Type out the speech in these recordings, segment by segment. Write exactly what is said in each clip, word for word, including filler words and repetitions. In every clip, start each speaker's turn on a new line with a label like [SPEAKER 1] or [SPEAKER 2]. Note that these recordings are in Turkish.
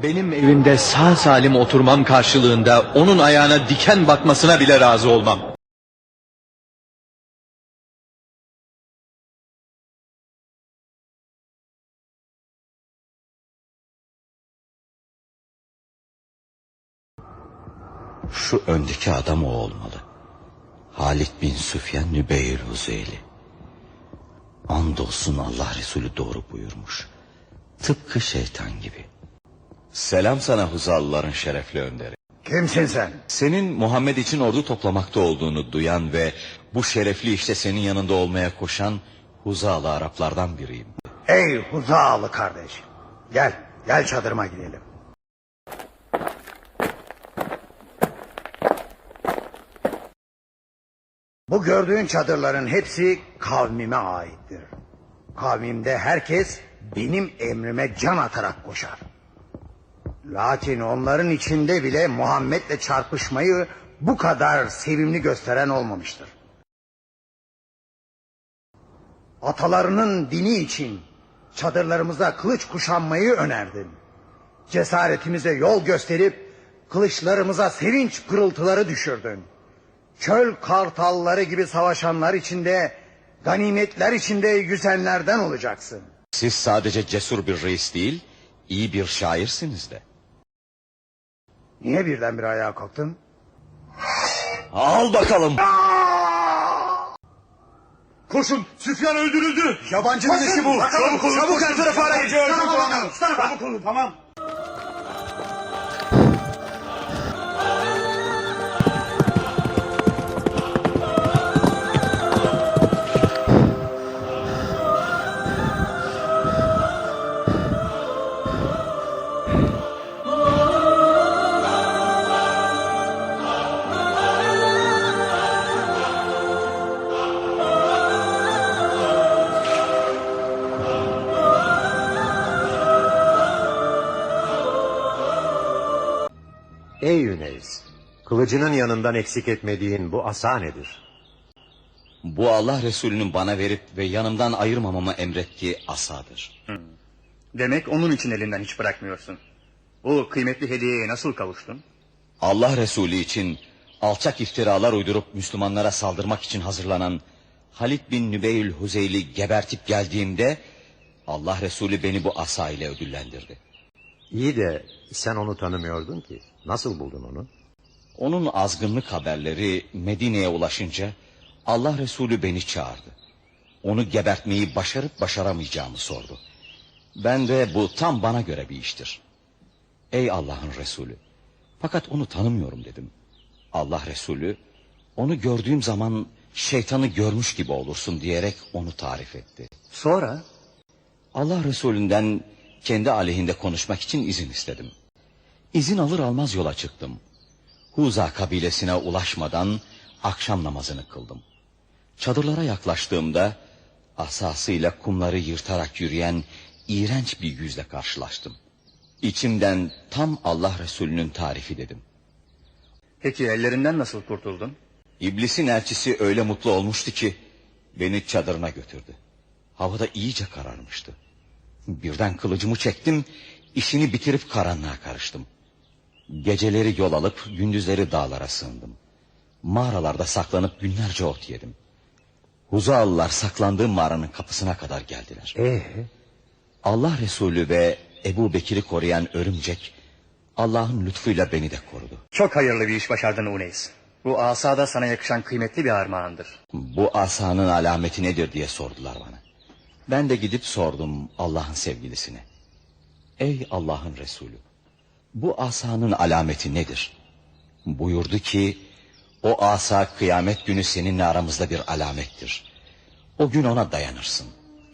[SPEAKER 1] Benim evimde sağ salim oturmam karşılığında onun ayağına diken batmasına bile razı olmam.
[SPEAKER 2] Şu öndeki adam o olmalı. Halit bin Süfyan Nübeyl Huzeyli. Andolsun Allah Resulü doğru buyurmuş. Tıpkı şeytan gibi. Selam sana Huzalıların şerefli önderi.
[SPEAKER 3] Kimsin sen?
[SPEAKER 2] Senin Muhammed için ordu toplamakta olduğunu duyan ve bu şerefli işte senin yanında olmaya koşan Huzalı Araplardan biriyim.
[SPEAKER 3] Ey Huzalı kardeş. Gel, gel çadırıma gidelim. Bu gördüğün çadırların hepsi kavmime aittir. Kavmimde herkes benim emrime can atarak koşar. Lakin onların içinde bile Muhammed'le çarpışmayı bu kadar sevimli gösteren olmamıştır. Atalarının dini için çadırlarımıza kılıç kuşanmayı önerdin. Cesaretimize yol gösterip kılıçlarımıza sevinç pırıltıları düşürdün. Çöl kartalları gibi savaşanlar içinde, ganimetler içinde yüzenlerden olacaksın.
[SPEAKER 2] Siz sadece cesur bir reis değil, iyi bir şairsiniz de.
[SPEAKER 3] Niye birdenbire ayağa kalktın?
[SPEAKER 2] Al bakalım.
[SPEAKER 4] Koşun, Süfyan öldürüldü.
[SPEAKER 3] Yabancının işi bu.
[SPEAKER 4] Çabuk olun, çabuk her tarafa ara geçiyor.
[SPEAKER 3] Çabuk olun, tamam.
[SPEAKER 5] Ey Yüneys, kılıcının yanından eksik etmediğin bu asa nedir?
[SPEAKER 2] Bu Allah Resulü'nün bana verip ve yanımdan ayırmamamı emrettiği asadır.
[SPEAKER 4] Hmm. Demek onun için elinden hiç bırakmıyorsun. Bu kıymetli hediyeye nasıl kavuştun?
[SPEAKER 2] Allah Resulü için alçak iftiralar uydurup Müslümanlara saldırmak için hazırlanan Halit bin Nübeyl Huzeyli gebertip geldiğimde Allah Resulü beni bu asa ile ödüllendirdi.
[SPEAKER 5] İyi de sen onu tanımıyordun ki. Nasıl buldun onu?
[SPEAKER 2] Onun azgınlık haberleri Medine'ye ulaşınca Allah Resulü beni çağırdı. Onu gebertmeyi başarıp başaramayacağımı sordu. Ben de bu tam bana göre bir iştir. Ey Allah'ın Resulü, fakat onu tanımıyorum dedim. Allah Resulü, onu gördüğüm zaman şeytanı görmüş gibi olursun diyerek onu tarif etti.
[SPEAKER 4] Sonra?
[SPEAKER 2] Allah Resulünden kendi aleyhinde konuşmak için izin istedim. İzin alır almaz yola çıktım. Huza kabilesine ulaşmadan akşam namazını kıldım. Çadırlara yaklaştığımda asasıyla kumları yırtarak yürüyen iğrenç bir yüzle karşılaştım. İçimden tam Allah Resulü'nün tarifi dedim.
[SPEAKER 4] Peki ellerinden nasıl kurtuldun?
[SPEAKER 2] İblisin elçisi öyle mutlu olmuştu ki beni çadırına götürdü. Havada iyice kararmıştı. Birden kılıcımı çektim, işini bitirip karanlığa karıştım. Geceleri yol alıp gündüzleri dağlara sığındım. Mağaralarda saklanıp günlerce ot yedim. Huzalılar saklandığım mağaranın kapısına kadar geldiler.
[SPEAKER 5] Ee?
[SPEAKER 2] Allah Resulü ve Ebu Bekir'i koruyan örümcek Allah'ın lütfuyla beni de korudu.
[SPEAKER 4] Çok hayırlı bir iş başardın Uneys. Bu asa da sana yakışan kıymetli bir armağandır.
[SPEAKER 2] Bu asanın alameti nedir diye sordular bana. Ben de gidip sordum Allah'ın sevgilisine. Ey Allah'ın Resulü, bu asanın alameti nedir? Buyurdu ki, o asa kıyamet günü seninle aramızda bir alamettir. O gün ona dayanırsın.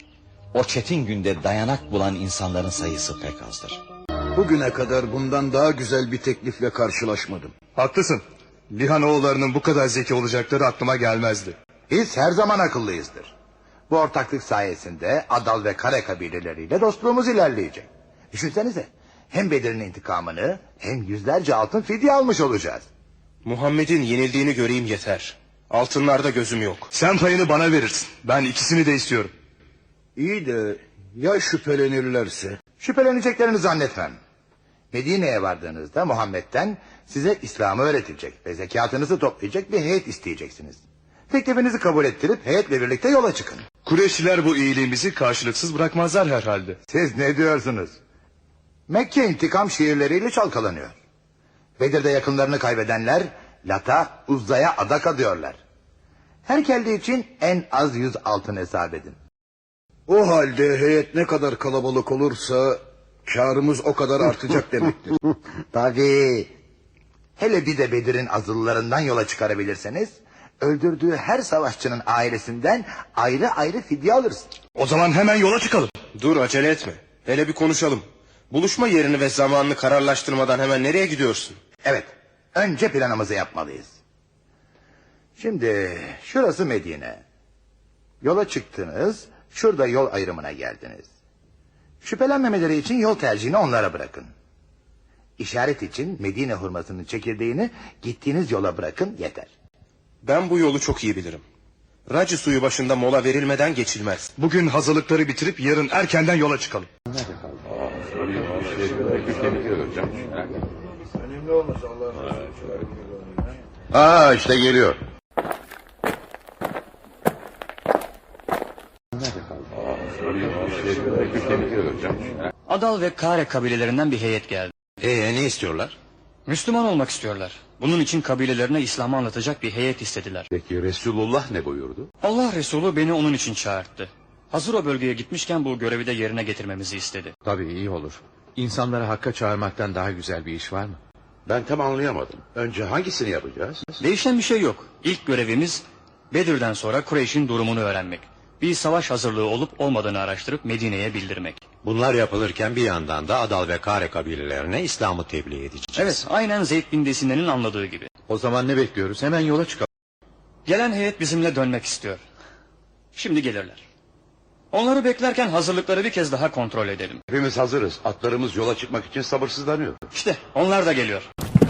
[SPEAKER 2] O çetin günde dayanak bulan insanların sayısı pek azdır.
[SPEAKER 6] Bugüne kadar bundan daha güzel bir teklifle karşılaşmadım.
[SPEAKER 4] Haklısın. Lihanoğullarının bu kadar zeki olacakları aklıma gelmezdi.
[SPEAKER 7] Biz her zaman akıllıyızdır. Bu ortaklık sayesinde Adal ve Kare kabileleriyle dostluğumuz ilerleyecek. Düşünsenize, hem Bedir'in intikamını hem yüzlerce altın fidye almış olacağız.
[SPEAKER 8] Muhammed'in yenildiğini göreyim yeter. Altınlarda gözüm yok.
[SPEAKER 4] Sen payını bana verirsin. Ben ikisini de istiyorum.
[SPEAKER 6] İyi de ya şüphelenirlerse?
[SPEAKER 7] Şüpheleneceklerini zannetmem. Medine'ye vardığınızda Muhammed'den size İslam'ı öğretecek ve zekatınızı toplayacak bir heyet isteyeceksiniz. Teklifinizi kabul ettirip heyetle birlikte yola çıkın.
[SPEAKER 8] Kureyşliler bu iyiliğimizi karşılıksız bırakmazlar herhalde.
[SPEAKER 7] Siz ne diyorsunuz? Mekke intikam şiirleriyle çalkalanıyor. Bedir'de yakınlarını kaybedenler Lat'a, Uzza'ya adak adıyorlar. Her kelle için en az yüz altın hesap edin.
[SPEAKER 6] O halde heyet ne kadar kalabalık olursa karımız o kadar artacak demektir.
[SPEAKER 3] Tabii.
[SPEAKER 7] Hele bir de Bedir'in azıllarından yola çıkarabilirseniz öldürdüğü her savaşçının ailesinden ayrı ayrı fidye alırsın.
[SPEAKER 8] O zaman hemen yola çıkalım. Dur, acele etme. Hele bir konuşalım. Buluşma yerini ve zamanını kararlaştırmadan hemen nereye gidiyorsun?
[SPEAKER 7] Evet, önce planımızı yapmalıyız. Şimdi şurası Medine. Yola çıktınız, şurada yol ayrımına geldiniz. Şüphelenmemeleri için yol tercihini onlara bırakın. İşaret için Medine hurmasının çekirdeğini gittiğiniz yola bırakın, yeter.
[SPEAKER 8] Ben bu yolu çok iyi bilirim. Racı suyu başında mola verilmeden geçilmez. Bugün hazırlıkları bitirip yarın erkenden yola çıkalım.
[SPEAKER 6] Aa işte geliyor.
[SPEAKER 9] Adal ve Kare kabilelerinden bir heyet geldi.
[SPEAKER 5] Ee ne istiyorlar?
[SPEAKER 9] Müslüman olmak istiyorlar. Bunun için kabilelerine İslam'ı anlatacak bir heyet istediler.
[SPEAKER 5] Peki Resulullah ne buyurdu?
[SPEAKER 9] Allah Resulü beni onun için çağırttı. Hazır o bölgeye gitmişken bu görevi de yerine getirmemizi istedi.
[SPEAKER 1] Tabii iyi olur. İnsanları hakka çağırmaktan daha güzel bir iş var mı?
[SPEAKER 6] Ben tam anlayamadım. Önce hangisini yapacağız?
[SPEAKER 9] Değişen bir şey yok. İlk görevimiz Bedir'den sonra Kureyş'in durumunu öğrenmek. Bir savaş hazırlığı olup olmadığını araştırıp Medine'ye bildirmek.
[SPEAKER 5] Bunlar yapılırken bir yandan da Adal ve Kare kabilelerine İslam'ı tebliğ edeceğiz.
[SPEAKER 9] Evet, aynen Zeyd bin Desine'nin anladığı gibi.
[SPEAKER 1] O zaman ne bekliyoruz? Hemen yola çıkalım.
[SPEAKER 9] Gelen heyet bizimle dönmek istiyor. Şimdi gelirler. Onları beklerken hazırlıkları bir kez daha kontrol edelim.
[SPEAKER 6] Hepimiz hazırız. Atlarımız yola çıkmak için sabırsızlanıyor.
[SPEAKER 9] İşte onlar da geliyor.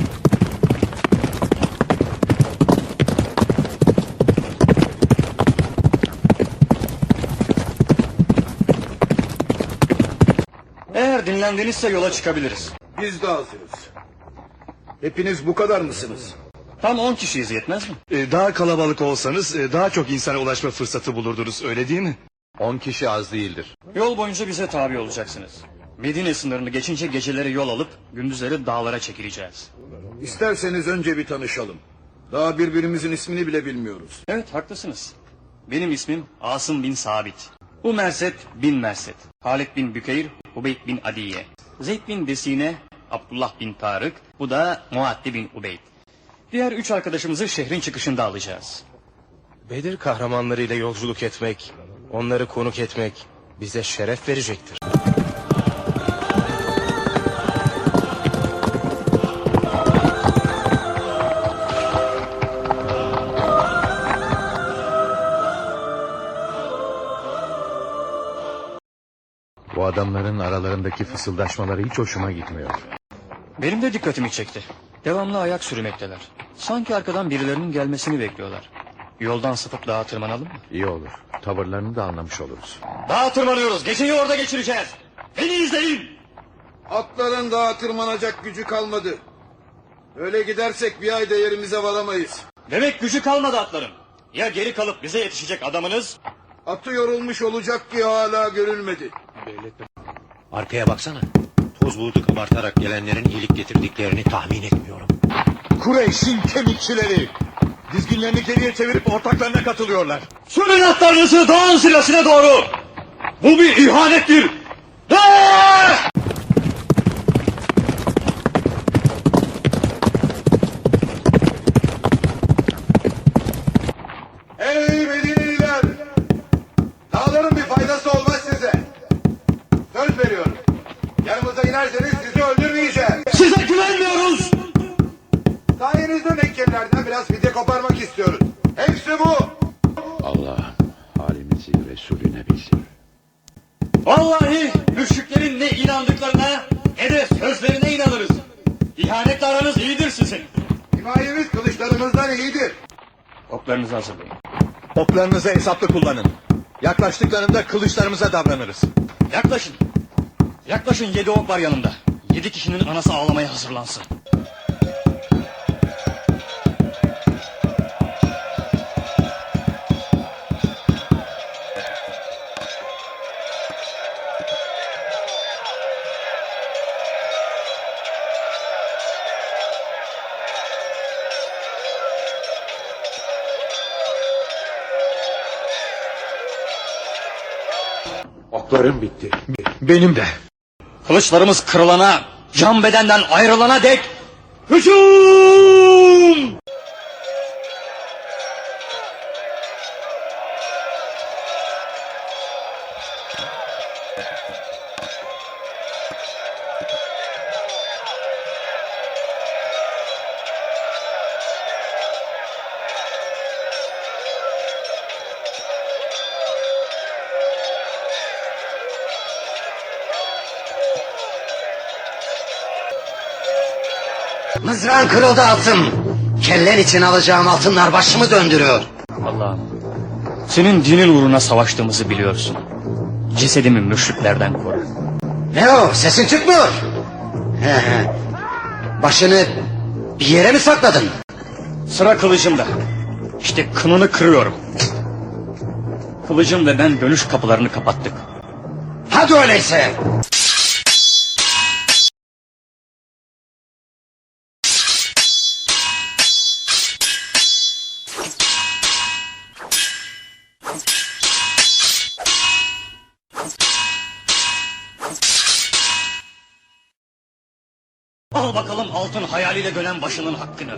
[SPEAKER 9] Eğer dinlendinizse yola çıkabiliriz.
[SPEAKER 6] Biz de hazırız. Hepiniz bu kadar mısınız?
[SPEAKER 9] Tam on kişiyiz, yetmez mi?
[SPEAKER 8] Ee, daha kalabalık olsanız e, daha çok insana ulaşma fırsatı bulurdunuz, öyle değil mi?
[SPEAKER 1] On kişi az değildir.
[SPEAKER 9] Yol boyunca bize tabi olacaksınız. Medine sınırını geçince geceleri yol alıp gündüzleri dağlara çekileceğiz.
[SPEAKER 6] İsterseniz önce bir tanışalım. Daha birbirimizin ismini bile bilmiyoruz.
[SPEAKER 9] Evet, haklısınız. Benim ismim Asım bin Sabit. Bu Merset bin Merset. Halid bin Bükeyr, Ubeyd bin Adiye. Zeyd bin Desine, Abdullah bin Tarık. Bu da Muaddi bin Ubeyd. Diğer üç arkadaşımızı şehrin çıkışında alacağız.
[SPEAKER 8] Bedir kahramanlarıyla yolculuk etmek, onları konuk etmek bize şeref verecektir.
[SPEAKER 1] Bu adamların aralarındaki fısıldaşmaları hiç hoşuma gitmiyor.
[SPEAKER 9] Benim de dikkatimi çekti. Devamlı ayak sürmekteler. Sanki arkadan birilerinin gelmesini bekliyorlar. Yoldan sapıp dağa tırmanalım mı?
[SPEAKER 1] İyi olur. Tavırlarını da anlamış oluruz.
[SPEAKER 9] Dağa tırmanıyoruz. Geceyi orada geçireceğiz. Beni izleyin.
[SPEAKER 6] Atların daha tırmanacak gücü kalmadı. Öyle gidersek bir ayda yerimize varamayız.
[SPEAKER 9] Demek gücü kalmadı atların. Ya geri kalıp bize yetişecek adamınız?
[SPEAKER 6] Atı yorulmuş olacak ki hala görülmedi.
[SPEAKER 5] Arkaya baksana. Toz bulutu kabartarak gelenlerin iyilik getirdiklerini tahmin etmiyorum.
[SPEAKER 1] Kureyş'in kemikçileri! Dizginlerini geriye çevirip ortaklarına katılıyorlar.
[SPEAKER 9] Sürün atlarınızı dağın silasına doğru. Bu bir ihanettir. Ah!
[SPEAKER 7] Ey Medineliler! Dağların bir faydası olmaz size. Söz veriyorum. Yanımıza inerseniz sizi öldürmeyeceğiz.
[SPEAKER 9] Size güvenmiyoruz.
[SPEAKER 7] Sayenizde Mekkelilerden biraz fidye koparmak istiyoruz. Hepsi bu.
[SPEAKER 6] Allah halimizi Resulüne bilsin.
[SPEAKER 9] Vallahi müşriklerin ne inandıklarına ne de sözlerine inanırız. İhanetle aranız iyidir sizin.
[SPEAKER 7] Himayemiz kılıçlarımızdan iyidir.
[SPEAKER 9] Oklarınızı hazırlayın.
[SPEAKER 1] Oklarınızı hesaplı kullanın. Yaklaştıklarında kılıçlarımıza davranırız.
[SPEAKER 9] Yaklaşın. Yaklaşın, yedi ok var yanımda. Yedi kişinin anası ağlamaya hazırlansın.
[SPEAKER 6] Oklarım bitti. Benim de.
[SPEAKER 9] Kılıçlarımız kırılana, can bedenden ayrılana dek hücum!
[SPEAKER 3] Mızrağın kırıldı Asım. Kellen için alacağım altınlar başımı döndürüyor.
[SPEAKER 9] Allah'ım, senin dinin uğruna savaştığımızı biliyorsun. Cesedimi müşriklerden koru.
[SPEAKER 3] Ne o, sesin çıkmıyor. He he. Başını bir yere mi sakladın?
[SPEAKER 9] Sıra kılıcımda. İşte kınını kırıyorum. Kılıcım ve ben dönüş kapılarını kapattık.
[SPEAKER 3] Hadi öyleyse.
[SPEAKER 9] Al bakalım altın hayaliyle dönen başının hakkını.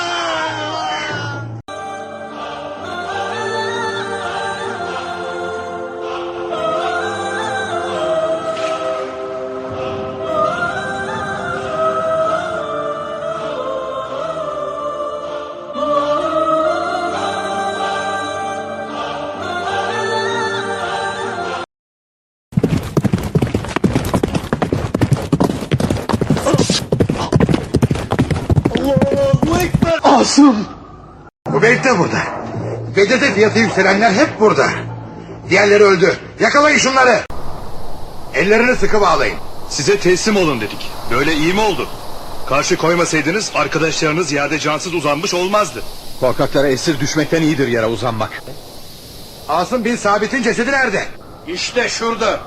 [SPEAKER 3] Asım.
[SPEAKER 7] Hubeyb de burada. Bedir'de fiyatı yükselenler hep burada. Diğerleri öldü. Yakalayın şunları. Ellerini sıkı bağlayın.
[SPEAKER 8] Size teslim olun dedik. Böyle iyi mi oldu? Karşı koymasaydınız arkadaşlarınız yerde cansız uzanmış olmazdı.
[SPEAKER 1] Korkaklara esir düşmekten iyidir yere uzanmak.
[SPEAKER 7] Asım bin Sabit'in cesedi nerede?
[SPEAKER 6] İşte şurada.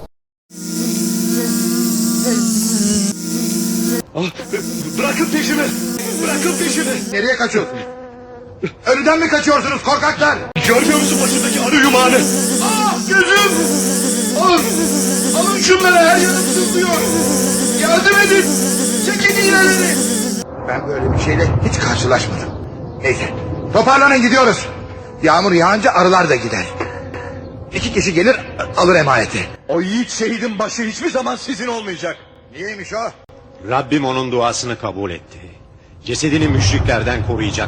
[SPEAKER 8] Bırakın peşimi! Bırakın peşimi!
[SPEAKER 7] Nereye kaçıyorsunuz? Ölüden mi kaçıyorsunuz korkaklar?
[SPEAKER 8] Görmüyor musun başındaki arı yumağını?
[SPEAKER 6] Ah gözüm! Alın! Alın şunları, her yanım sızlıyor. Yardım edin! Çekin iğneleri!
[SPEAKER 7] Ben böyle bir şeyle hiç karşılaşmadım. Neyse toparlanın gidiyoruz. Yağmur yağınca arılar da gider. İki kişi gelir alır emaneti.
[SPEAKER 8] O yiğit şehidin başı hiçbir zaman sizin olmayacak.
[SPEAKER 7] Niyeymiş o?
[SPEAKER 5] Rabbim onun duasını kabul etti. Cesedini müşriklerden koruyacak.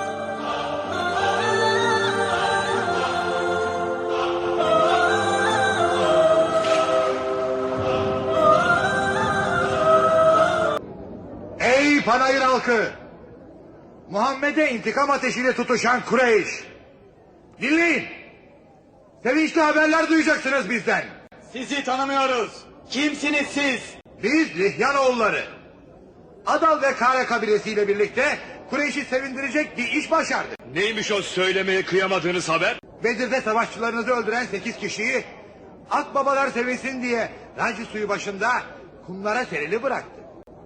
[SPEAKER 7] Ey panayır halkı! Muhammed'e intikam ateşiyle tutuşan Kureyş! Dinleyin! Sevinçli haberler duyacaksınız bizden.
[SPEAKER 9] Sizi tanımıyoruz. Kimsiniz siz?
[SPEAKER 7] Biz Lihyanoğulları. Adal ve Kare kabilesiyle birlikte Kureyş'i sevindirecek bir iş başardık.
[SPEAKER 8] Neymiş o söylemeye kıyamadığınız haber?
[SPEAKER 7] Bedir'de savaşçılarınızı öldüren sekiz kişiyi akbabalar sevinsin diye Raci suyu başında kumlara serili bıraktık.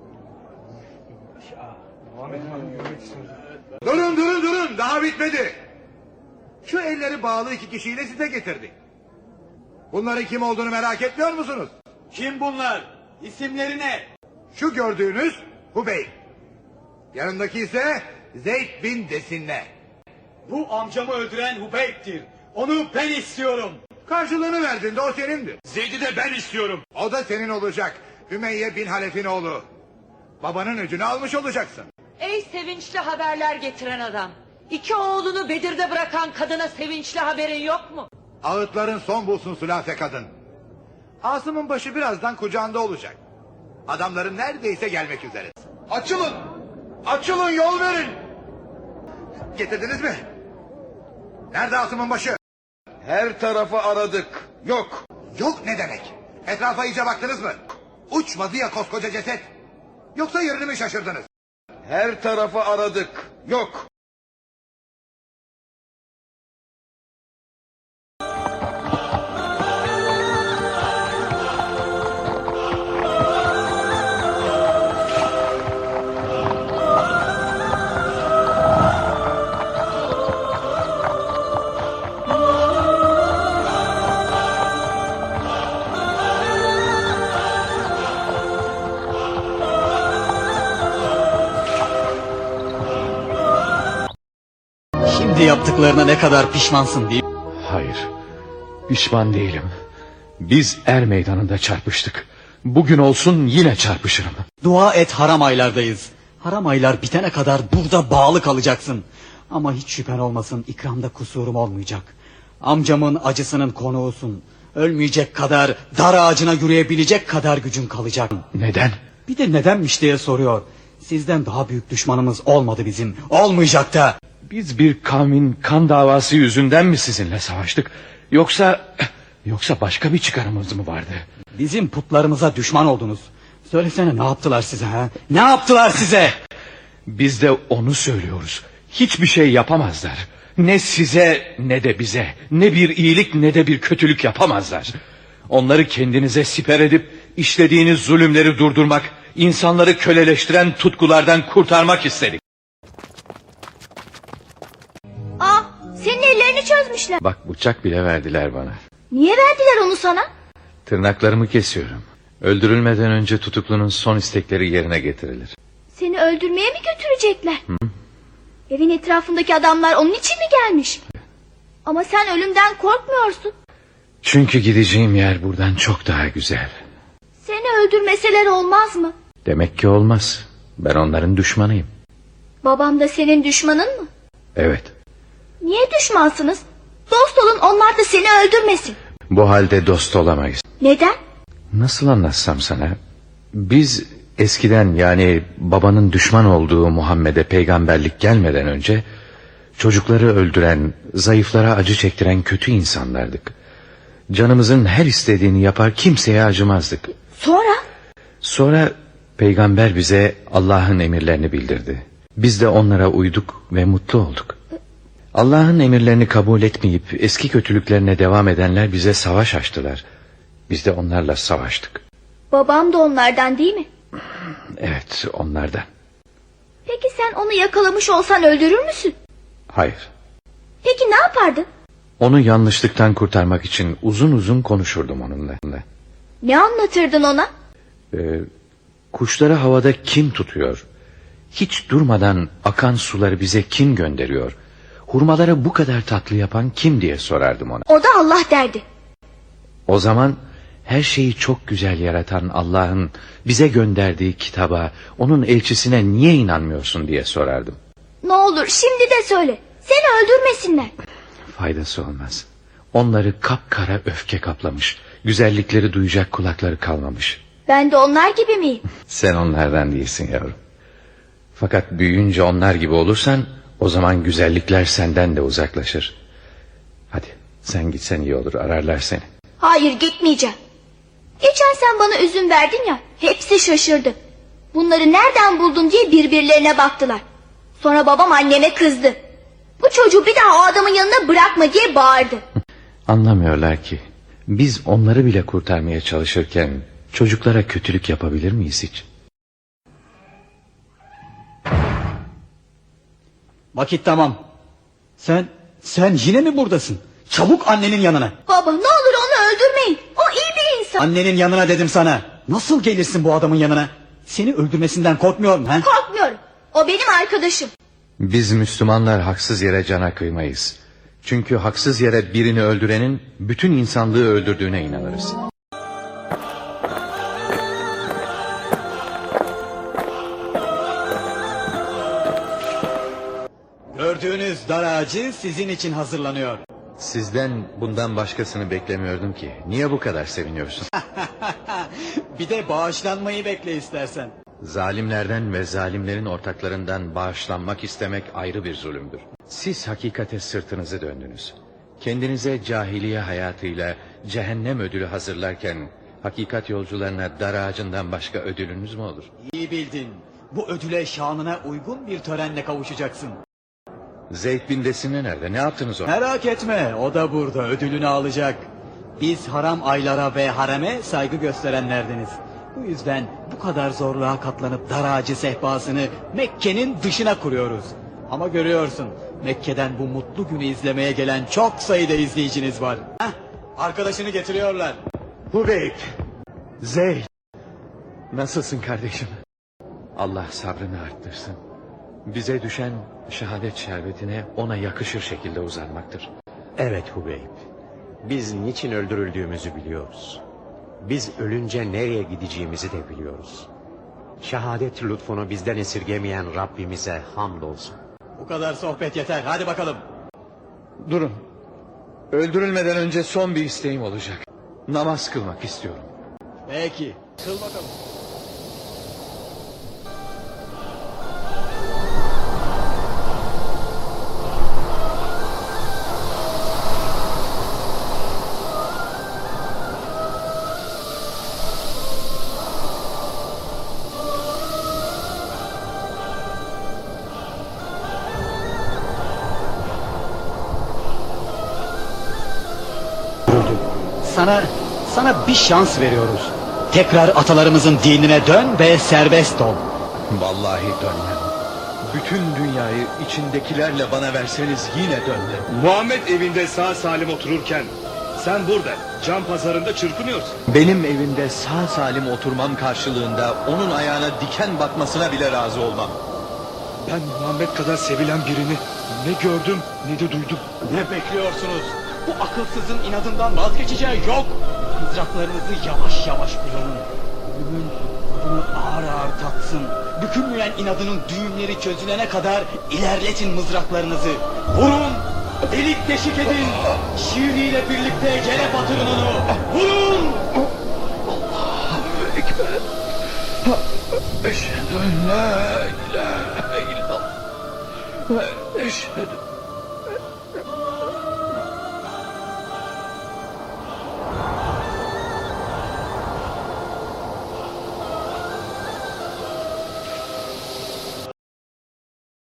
[SPEAKER 7] Durun durun durun daha bitmedi. Şu elleri bağlı iki kişiyle size getirdik. Bunların kim olduğunu merak etmiyor musunuz?
[SPEAKER 9] Kim bunlar? İsimleri ne?
[SPEAKER 7] Şu gördüğünüz Hubeyb. Yanındaki ise Zeyd bin Desinne.
[SPEAKER 9] Bu amcamı öldüren Hubeyb'tir. Onu ben istiyorum.
[SPEAKER 7] Karşılığını verdiğinde o senindir.
[SPEAKER 8] Zeyd'i de ben istiyorum.
[SPEAKER 7] O da senin olacak. Ümeyye bin Halef'in oğlu. Babanın öcünü almış olacaksın.
[SPEAKER 10] Ey sevinçli haberler getiren adam. İki oğlunu Bedir'de bırakan kadına sevinçli haberin yok mu?
[SPEAKER 7] Ağıtların son bulsun Sülafe kadın. Asım'ın başı birazdan kucağında olacak. Adamların neredeyse gelmek üzere.
[SPEAKER 6] Açılın! Açılın, yol verin!
[SPEAKER 7] Getirdiniz mi? Nerede Asım'ın başı?
[SPEAKER 6] Her tarafı aradık. Yok.
[SPEAKER 7] Yok ne demek? Etrafa iyice baktınız mı? Uçmadı ya koskoca ceset. Yoksa yerini mi şaşırdınız?
[SPEAKER 6] Her tarafı aradık. Yok.
[SPEAKER 11] Şimdi yaptıklarına ne kadar pişmansın değil mi?
[SPEAKER 1] Hayır, pişman değilim. Biz er meydanında çarpıştık. Bugün olsun yine çarpışırım.
[SPEAKER 11] Dua et, haram aylardayız. Haram aylar bitene kadar burada bağlı kalacaksın. Ama hiç şüphen olmasın, ikramda kusurum olmayacak. Amcamın acısının konuğusun. Ölmeyecek kadar, dar ağacına yürüyebilecek kadar gücün kalacak.
[SPEAKER 1] Neden?
[SPEAKER 11] Bir de nedenmiş diye soruyor. Sizden daha büyük düşmanımız olmadı bizim. Olmayacak da.
[SPEAKER 1] Biz bir kavmin kan davası yüzünden mi sizinle savaştık? Yoksa... Yoksa başka bir çıkarımız mı vardı?
[SPEAKER 11] Bizim putlarımıza düşman oldunuz. Söylesene, ne yaptılar size ha? Ne yaptılar size?
[SPEAKER 1] Biz de onu söylüyoruz. Hiçbir şey yapamazlar. Ne size ne de bize. Ne bir iyilik ne de bir kötülük yapamazlar. Onları kendinize siper edip işlediğiniz zulümleri durdurmak, insanları köleleştiren tutkulardan kurtarmak istedik.
[SPEAKER 12] Aa, senin ellerini çözmüşler.
[SPEAKER 1] Bak, bıçak bile verdiler bana.
[SPEAKER 12] Niye verdiler onu sana?
[SPEAKER 1] Tırnaklarımı kesiyorum. Öldürülmeden önce tutuklunun son istekleri yerine getirilir.
[SPEAKER 12] Seni öldürmeye mi götürecekler? Hı? Evin etrafındaki adamlar onun için mi gelmiş? Ama sen ölümden korkmuyorsun.
[SPEAKER 1] Çünkü gideceğim yer buradan çok daha güzel.
[SPEAKER 12] Seni öldürmeseler olmaz mı?
[SPEAKER 1] Demek ki olmaz. Ben onların düşmanıyım.
[SPEAKER 12] Babam da senin düşmanın mı?
[SPEAKER 1] Evet.
[SPEAKER 12] Niye düşmansınız? Dost olun, onlar da seni öldürmesin.
[SPEAKER 1] Bu halde dost olamayız.
[SPEAKER 12] Neden?
[SPEAKER 1] Nasıl anlatsam sana? Biz eskiden, yani babanın düşman olduğu Muhammed'e peygamberlik gelmeden önce çocukları öldüren, zayıflara acı çektiren kötü insanlardık. Canımızın her istediğini yapar, kimseye acımazdık.
[SPEAKER 12] Sonra?
[SPEAKER 1] Sonra peygamber bize Allah'ın emirlerini bildirdi. Biz de onlara uyduk ve mutlu olduk. Allah'ın emirlerini kabul etmeyip eski kötülüklerine devam edenler bize savaş açtılar. Biz de onlarla savaştık.
[SPEAKER 12] Babam da onlardan değil mi?
[SPEAKER 1] Evet, onlardan.
[SPEAKER 12] Peki sen onu yakalamış olsan öldürür müsün?
[SPEAKER 1] Hayır.
[SPEAKER 12] Peki ne yapardın?
[SPEAKER 1] Onu yanlışlıktan kurtarmak için uzun uzun konuşurdum onunla.
[SPEAKER 12] Ne anlatırdın ona?
[SPEAKER 1] Ee, kuşları havada kim tutuyor? Hiç durmadan akan suları bize kim gönderiyor? Hurmaları bu kadar tatlı yapan kim diye sorardım ona.
[SPEAKER 12] O da Allah derdi.
[SPEAKER 1] O zaman her şeyi çok güzel yaratan Allah'ın bize gönderdiği kitaba, onun elçisine niye inanmıyorsun diye sorardım.
[SPEAKER 12] Ne olur şimdi de söyle. Seni öldürmesinler.
[SPEAKER 1] Faydası olmaz. Onları kapkara öfke kaplamış. Güzellikleri duyacak kulakları kalmamış.
[SPEAKER 12] Ben de onlar gibi miyim?
[SPEAKER 1] Sen onlardan değilsin yavrum. Fakat büyüyünce onlar gibi olursan, o zaman güzellikler senden de uzaklaşır. Hadi sen gitsen iyi olur, ararlar seni.
[SPEAKER 12] Hayır, gitmeyeceğim. Geçen sen bana üzüm verdin ya, hepsi şaşırdı. Bunları nereden buldun diye birbirlerine baktılar. Sonra babam anneme kızdı. Bu çocuğu bir daha o adamın yanına bırakma diye bağırdı.
[SPEAKER 1] Anlamıyorlar ki biz onları bile kurtarmaya çalışırken çocuklara kötülük yapabilir miyiz hiç?
[SPEAKER 11] Vakit tamam. Sen, sen yine mi buradasın? Çabuk annenin yanına.
[SPEAKER 12] Baba, ne olur onu öldürmeyin. O iyi bir insan.
[SPEAKER 11] Annenin yanına dedim sana. Nasıl gelirsin bu adamın yanına? Seni öldürmesinden korkmuyor mu? He?
[SPEAKER 12] Korkmuyorum. O benim arkadaşım.
[SPEAKER 1] Biz Müslümanlar haksız yere cana kıymayız. Çünkü haksız yere birini öldürenin bütün insanlığı öldürdüğüne inanırız.
[SPEAKER 11] Gördüğünüz dar ağacı sizin için hazırlanıyor.
[SPEAKER 1] Sizden bundan başkasını beklemiyordum ki. Niye bu kadar seviniyorsun?
[SPEAKER 11] Bir de bağışlanmayı bekle istersen.
[SPEAKER 1] Zalimlerden ve zalimlerin ortaklarından bağışlanmak istemek ayrı bir zulümdür. Siz hakikate sırtınızı döndünüz. Kendinize cahiliye hayatıyla cehennem ödülü hazırlarken Hakikat yolcularına dar ağacından başka ödülünüz mü olur?
[SPEAKER 11] İyi bildin. Bu ödüle şanına uygun bir törenle kavuşacaksın.
[SPEAKER 1] Zeyd bin Desine nerede? Ne yaptınız ona?
[SPEAKER 11] Merak etme, o da burada ödülünü alacak. Biz haram aylara ve hareme saygı gösterenlerdeniz. Bu yüzden bu kadar zorluğa katlanıp dar ağacı sehpasını Mekke'nin dışına kuruyoruz. Ama görüyorsun, Mekke'den bu mutlu günü izlemeye gelen çok sayıda izleyiciniz var. Heh, arkadaşını getiriyorlar.
[SPEAKER 1] Hubeyb, Zeyd. Nasılsın kardeşim? Allah sabrını arttırsın. Bize düşen şehadet şerbetine ona yakışır şekilde uzanmaktır.
[SPEAKER 5] Evet Hubeyb. Biz niçin öldürüldüğümüzü biliyoruz. Biz ölünce nereye gideceğimizi de biliyoruz. Şehadet lütfunu bizden esirgemeyen Rabbimize hamdolsun.
[SPEAKER 11] Bu kadar sohbet yeter, hadi bakalım.
[SPEAKER 1] Durun. Öldürülmeden önce son bir isteğim olacak. Namaz kılmak istiyorum.
[SPEAKER 11] Peki, kıl bakalım. Sana, sana bir şans veriyoruz. Tekrar atalarımızın dinine dön ve serbest ol.
[SPEAKER 1] Vallahi dönmem. Bütün dünyayı içindekilerle bana verseniz yine dönmem.
[SPEAKER 8] Muhammed evinde sağ salim otururken sen burada can pazarında çırpınıyorsun.
[SPEAKER 1] Benim evimde sağ salim oturmam karşılığında onun ayağına diken batmasına bile razı olmam.
[SPEAKER 8] Ben Muhammed kadar sevilen birini ne gördüm ne de duydum.
[SPEAKER 11] Ne bekliyorsunuz? Bu akılsızın inadından vazgeçeceği yok. Mızraklarınızı yavaş yavaş kullanın. Ölümün tadını ağır ağır tatsın. Bükülmeyen inadının düğümleri çözülene kadar ilerletin mızraklarınızı. Vurun! Delik deşik edin! Şiiriyle birlikte yere batırın onu! Vurun!
[SPEAKER 1] Allahu Ekber. Eşhedü en la ilahe illallah. Ve eşhedü